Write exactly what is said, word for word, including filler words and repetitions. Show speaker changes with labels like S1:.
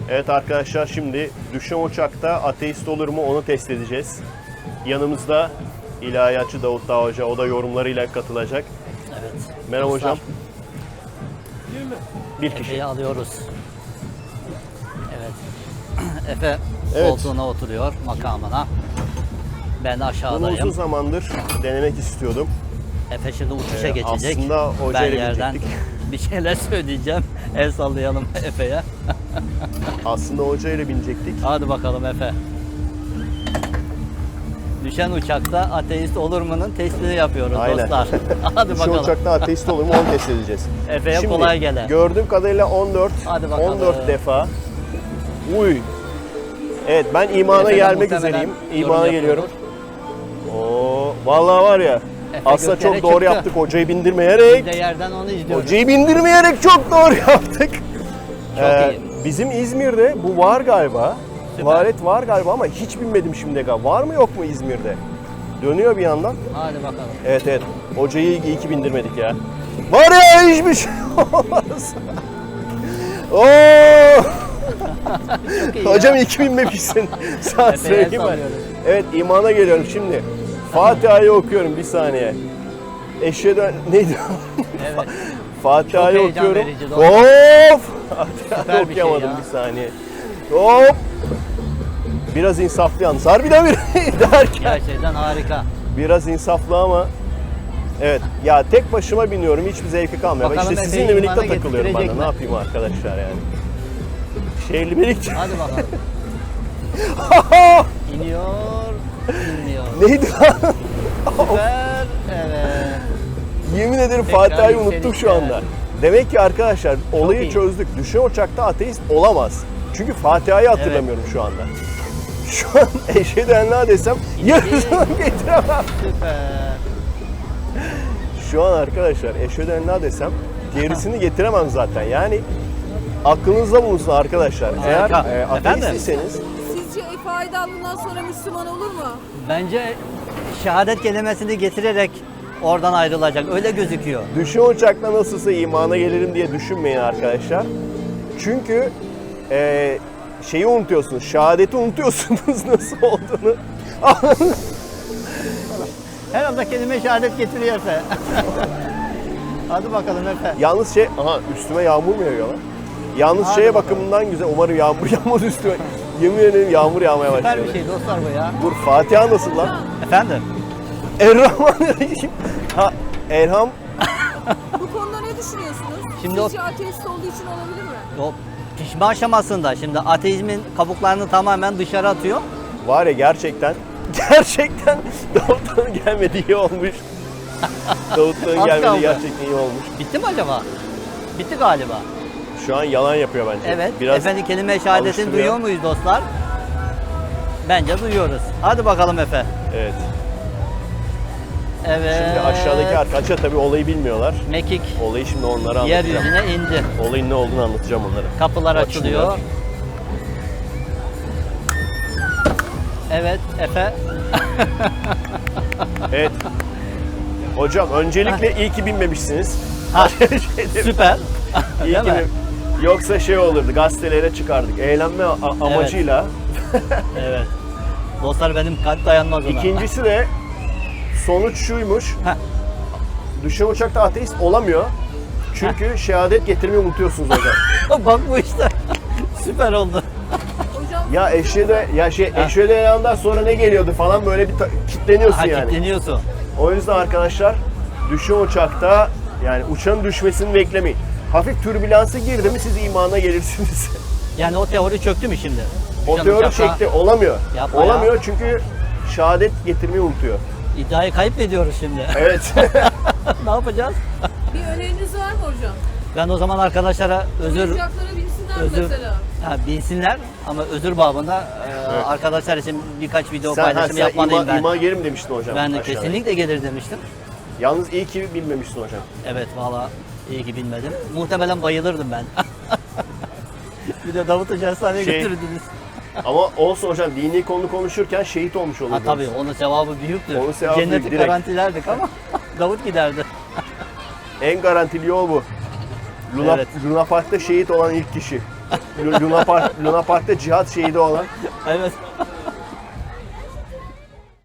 S1: Evet arkadaşlar, şimdi düşen uçakta ateist olur mu onu test edeceğiz. Yanımızda ilahiyatçı Davut Dağ Hoca, o da yorumlarıyla katılacak.
S2: Evet.
S1: Merhaba
S2: Dostlar,
S1: hocam. Bir kişi.
S2: Efe'yi alıyoruz. Evet. Efe
S1: Evet.
S2: koltuğuna oturuyor, makamına. Ben
S1: Bunu
S2: aşağıdayım.
S1: uzun zamandır denemek istiyordum.
S2: Efe şimdi uçuşa
S1: Ee,
S2: geçecek.
S1: aslında
S2: Ben
S1: hocayla
S2: yerden
S1: binecektik.
S2: bir şeyler söyleyeceğim. El sallayalım Efe'ye.
S1: Aslında hocayla binecektik.
S2: Hadi bakalım Efe. Düşen uçakta ateist olur mu'nun testini yapıyoruz
S1: Aynen.
S2: dostlar. Hadi
S1: Şu
S2: bakalım.
S1: uçakta ateist olur mu onu test edeceğiz.
S2: Efe'ye
S1: Şimdi,
S2: kolay gele.
S1: gördüğüm kadarıyla on dört,
S2: Hadi bakalım.
S1: on dört defa. Uy. Evet, ben imana
S2: Efe'den
S1: gelmek
S2: muhtemelen
S1: üzereyim.
S2: yorum
S1: İmana
S2: yapıyordur.
S1: geliyorum. Oo, vallahi var ya.
S2: Efe
S1: Aslında
S2: göklere
S1: çok doğru
S2: çıktı.
S1: yaptık hocayı bindirmeyerek.
S2: Bir de yerden onu izliyoruz.
S1: Hocayı bindirmeyerek çok doğru yaptık.
S2: Çok
S1: Ee,
S2: iyi.
S1: Bizim İzmir'de bu var galiba.
S2: Süper.
S1: Bu alet var galiba ama hiç binmedim şimdiye kadar. Var mı yok mu İzmir'de? Dönüyor bir yandan.
S2: Hadi bakalım.
S1: Evet evet. Hocayı iyi ki bindirmedik ya. Var ya, hiçbir şey olmaz. Oo!
S2: Çok iyi
S1: Hocam
S2: ya.
S1: iyi ki binmemişsin. Sana
S2: Efe'ye
S1: söyleyeyim ben.
S2: sallıyoruz.
S1: Evet, imana geliyorum şimdi. Fatiha'yı okuyorum bir saniye. Eşhedü neydi?
S2: Evet.
S1: Fatiha'yı
S2: Çok heyecan
S1: okuyorum.
S2: verici,
S1: Of!
S2: Süper
S1: Fatiha'yı
S2: bir şey
S1: okuyamadım
S2: ya.
S1: bir saniye. Hop! Biraz insaflı yalnız. Harbiden bir derken.
S2: Gerçekten harika.
S1: Biraz insaflı ama evet ya, tek başıma biniyorum, hiçbir zevki kalmıyor.
S2: Bakalım
S1: İşte
S2: Efe'yi
S1: sizinle birlikte
S2: imana
S1: takılıyorum ben de.
S2: getirecek
S1: Ne
S2: mi?
S1: yapayım arkadaşlar yani. Şehirli birlikte.
S2: Hadi bakalım. İniyor, iniyor.
S1: Neydi lan?
S2: Süper, evet.
S1: Yemin ederim
S2: Tekrar
S1: Fatiha'yı unuttuk şu
S2: yükselişler.
S1: anda. Demek ki arkadaşlar olayı
S2: iyi.
S1: çözdük. Düşen uçakta ateist olamaz. Çünkü Fatiha'yı hatırlamıyorum şu anda. Şu an eşhedü en la desem yarısını getiremem.
S2: Süper.
S1: Şu an arkadaşlar eşhedü en la desem gerisini getiremem zaten. Yani aklınızda bulunsun arkadaşlar.
S2: Harika.
S1: Eğer e,
S2: Efendim?
S1: ateistyseniz
S3: Sizce Efe Aydal bundan sonra Müslüman olur mu?
S2: Bence şehadet kelimesini getirerek oradan ayrılacak. Öyle gözüküyor.
S1: düşen uçakla nasılsa imana gelirim diye düşünmeyin arkadaşlar. Çünkü e, şeyi unutuyorsunuz, şehadeti unutuyorsunuz nasıl olduğunu.
S2: Her anda kelime şehadet getiriyor Efe. Hadi bakalım Efe.
S1: Yalnız şey, aha üstüme yağmur mu yağıyor lan? Yalnız
S2: Hadi
S1: şeye
S2: bakalım.
S1: bakımından güzel, umarım yağmur yağmaz üstüme. Yemin ederim yağmur yağmaya başladı.
S2: Süper bir şey dostlar bu ya.
S1: Dur, Fatiha nasıl lan?
S2: Efendim?
S1: Errahmanirrahim. Ha, Erham.
S3: Bu konuda ne düşünüyorsunuz?
S2: Şimdi o-
S3: Sizce ateist olduğu için olabilir mi?
S2: O pişme aşamasında şimdi ateizmin kabuklarını tamamen dışarı atıyor.
S1: Var ya, gerçekten, gerçekten Davut'un gelmedi iyi olmuş. Davut'un
S2: Az
S1: gelmedi
S2: kaldı.
S1: gerçekten iyi olmuş.
S2: Bitti mi acaba? Bitti galiba.
S1: Şu an yalan yapıyor bence.
S2: Evet.
S1: Biraz
S2: Efendim kelime şehadetini
S1: alıştırıyor.
S2: duyuyor muyuz dostlar? Bence duyuyoruz. Hadi bakalım Efe.
S1: Evet.
S2: Evet.
S1: Şimdi aşağıdaki arkadaşlar tabii olayı bilmiyorlar.
S2: Mekik
S1: Olayı şimdi onlara anlatacağım.
S2: yeryüzüne indi.
S1: Olayın ne olduğunu anlatacağım onlara.
S2: Kapılar
S1: Açılıyor.
S2: açılıyor. Evet Efe.
S1: Evet. Hocam öncelikle iyi ki binmemişsiniz.
S2: Ha,
S1: Şeyleri-
S2: süper.
S1: İyi
S2: Değil
S1: ki
S2: mi?
S1: bin- Yoksa şey olurdu, gazetelere çıkardık. Eğlenme a- amacıyla.
S2: Evet. Dostlar benim kalp dayanmaz ona.
S1: İkincisi de sonuç şuymuş.
S2: Heh.
S1: Düşen uçakta ateist olamıyor. Çünkü şehadet getirmeyi unutuyorsunuz hocam.
S2: Bak bu işte. Süper oldu.
S3: Hocam
S1: Ya eşhedü ya şey eşhedü en La'dan sonra ne geliyordu falan, böyle bir ta- kitleniyorsun
S2: Ha,
S1: yani.
S2: kilitleniyorsun.
S1: O yüzden arkadaşlar düşen uçakta yani uçağın düşmesini beklemeyin. Hafif türbülansı girdi mi siz imana gelirsiniz.
S2: Yani o teori çöktü mü şimdi?
S1: O
S2: Düşen
S1: teori
S2: uçakta
S1: çekti, olamıyor.
S2: Yapma
S1: Olamıyor
S2: ya.
S1: çünkü şehadet getirmeyi unutuyor.
S2: İddiayı kaybediyoruz şimdi.
S1: Evet.
S2: Ne yapacağız?
S3: bir öneriniz var mı hocam?
S2: Ben o zaman arkadaşlara özür
S3: Oyuncaklara binsinler mi
S2: özür
S3: mesela?
S2: ha, bilsinler ama özür babında e,
S1: Evet.
S2: arkadaşlar için birkaç video
S1: sen ha,
S2: paylaşımı
S1: sen
S2: yapmalıyım
S1: ima,
S2: ben.
S1: imana gelirim demiştin hocam.
S2: Ben de
S1: aşağıda.
S2: kesinlikle gelir demiştim.
S1: Yalnız iyi ki bilmemiştin hocam.
S2: Evet valla iyi ki bilmedim. Muhtemelen bayılırdım ben. Bir de Davut Hoca hastaneye
S1: Şey-
S2: götürdünüz.
S1: Ama olsun hocam, dini konu konuşurken şehit olmuş
S2: Ha
S1: olurdunuz.
S2: tabii onun sevabı büyüktür.
S1: Onun sevabı
S2: Cenneti
S1: büyük, direkt.
S2: garantilerdik ama Davut giderdi.
S1: En garantili yol bu. Luna,
S2: Evet.
S1: Luna Park'ta şehit olan ilk kişi. Luna Park, Luna Park'ta cihat şehidi olan.
S2: Evet.